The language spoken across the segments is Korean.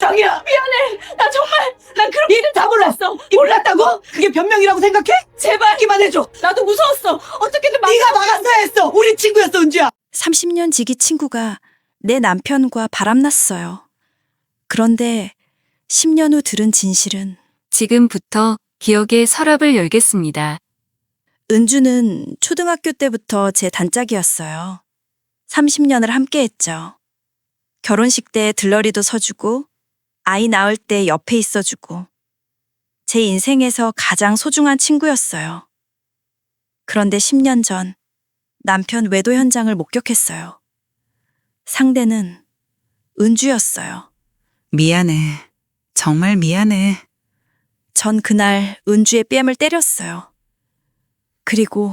정이야. 미안해. 난 그런 일을 다 몰랐어. 몰랐다고? 그게 변명이라고 생각해? 제발 하기만 해줘. 나도 무서웠어. 어떻게든 네가 막았어야 했어. 우리 친구였어, 은주야. 30년 지기 친구가 내 남편과 바람났어요. 그런데 10년 후 들은 진실은 지금부터 기억의 서랍을 열겠습니다. 은주는 초등학교 때부터 제 단짝이었어요. 30년을 함께 했죠. 결혼식 때 들러리도 서주고 아이 낳을 때 옆에 있어주고 제 인생에서 가장 소중한 친구였어요. 그런데 10년 전 남편 외도 현장을 목격했어요. 상대는 은주였어요. 미안해. 정말 미안해. 전 그날 은주의 뺨을 때렸어요. 그리고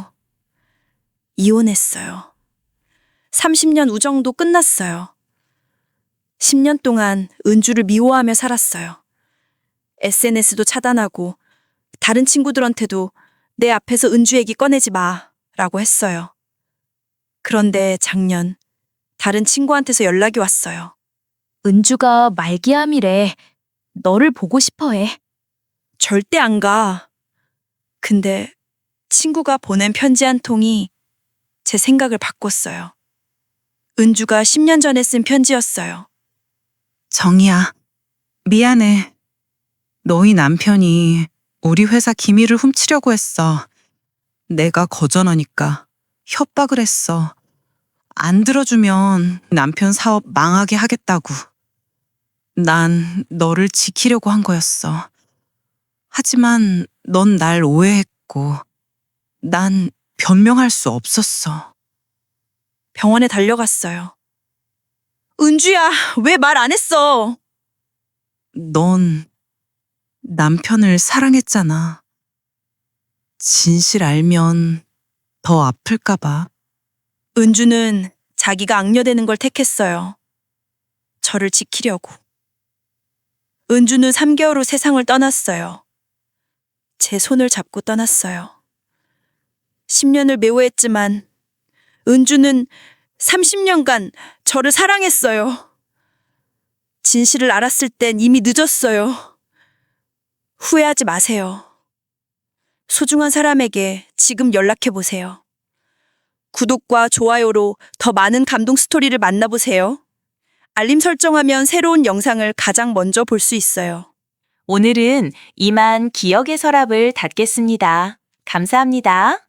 이혼했어요. 30년 우정도 끝났어요. 10년 동안 은주를 미워하며 살았어요. SNS도 차단하고 다른 친구들한테도 내 앞에서 은주 얘기 꺼내지 마 라고 했어요. 그런데 작년 다른 친구한테서 연락이 왔어요. 은주가 말기암이래. 너를 보고 싶어 해. 절대 안 가. 근데 친구가 보낸 편지 한 통이 제 생각을 바꿨어요. 은주가 10년 전에 쓴 편지였어요. 정이야. 미안해. 너희 남편이 우리 회사 기밀을 훔치려고 했어. 내가 거절하니까 협박을 했어. 안 들어주면 남편 사업 망하게 하겠다고. 난 너를 지키려고 한 거였어. 하지만 넌 날 오해했고 난 변명할 수 없었어. 병원에 달려갔어요. 은주야, 왜 말 안 했어? 넌 남편을 사랑했잖아. 진실 알면 더 아플까봐. 은주는 자기가 악녀되는 걸 택했어요. 저를 지키려고. 은주는 3개월 후 세상을 떠났어요. 제 손을 잡고 떠났어요. 10년을 미워했지만 은주는 30년간 저를 사랑했어요. 진실을 알았을 땐 이미 늦었어요. 후회하지 마세요. 소중한 사람에게 지금 연락해보세요. 구독과 좋아요로 더 많은 감동 스토리를 만나보세요. 알림 설정하면 새로운 영상을 가장 먼저 볼 수 있어요. 오늘은 이만 기억의 서랍을 닫겠습니다. 감사합니다.